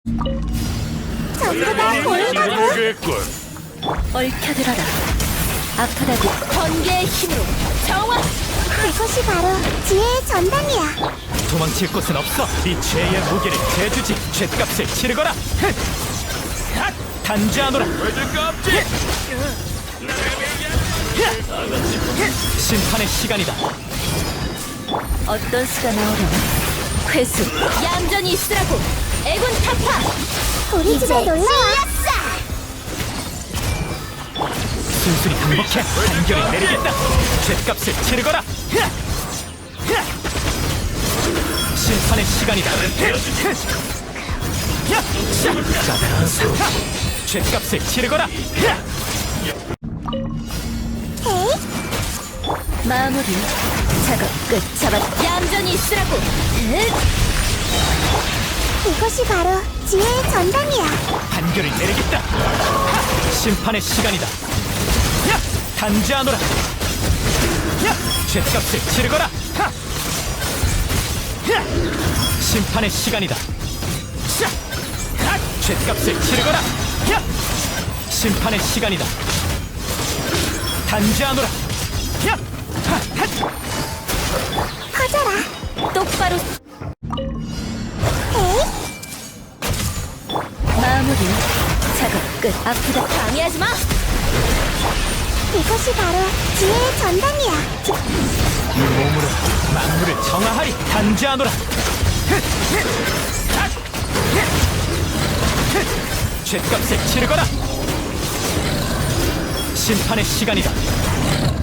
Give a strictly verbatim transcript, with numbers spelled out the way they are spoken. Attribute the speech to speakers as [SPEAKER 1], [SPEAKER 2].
[SPEAKER 1] 전부 다 보인다고.
[SPEAKER 2] 되겠군.
[SPEAKER 3] 얽혀들어라. 아프다고 번개의 힘으로 정화.
[SPEAKER 1] 이것이 바로 지혜의 전당이야.
[SPEAKER 4] 도망칠 곳은 없어. 이 죄의 무게를 재주지. 죗값을 치르거라. 흥! 핫! 단지하노라.
[SPEAKER 2] 왜들 깜지?
[SPEAKER 4] 심판의 시간이다.
[SPEAKER 3] 어떤 수가 나오려나. 회수. 얌전히 있으라고. 애군 타파.
[SPEAKER 1] 우리 집에 놀러와.
[SPEAKER 4] 순순히 항복해. 판결을 내리겠다. 죗값을 치르거라. 흐! 흐! 심판의 시간이다. 흐! 야! 자! 짜다란 수. 죗값을 치르거라. 흐!
[SPEAKER 1] 에이,
[SPEAKER 3] 마무리. 작업 끝. 잡았. 얌전히 있으라고. 으,
[SPEAKER 1] 이것이 바로 지혜의 전당이야.
[SPEAKER 4] 판결을 내리겠다. 하! 심판의 시간이다. 야! 단지하노라. 야! 죗값을 치르거라. 하! 야! 심판의 시간이다. 자! 하! 죗값을 치르거라. 야! 심판의 시간이다. 단지하노라. 야! 하! 하!
[SPEAKER 1] 퍼져라.
[SPEAKER 3] 똑바로.
[SPEAKER 1] 에이,
[SPEAKER 3] 마무리. 작업 끝. 아프다. 방해하지 마.
[SPEAKER 1] 이것이 바로 지혜의 전당이야. 지-
[SPEAKER 4] 이 몸으로 만물을 정화하리. 단지하노라. 흐! 흐! 하! 흐! 흐! 죗값을 치르거라. 심판의 시간이다.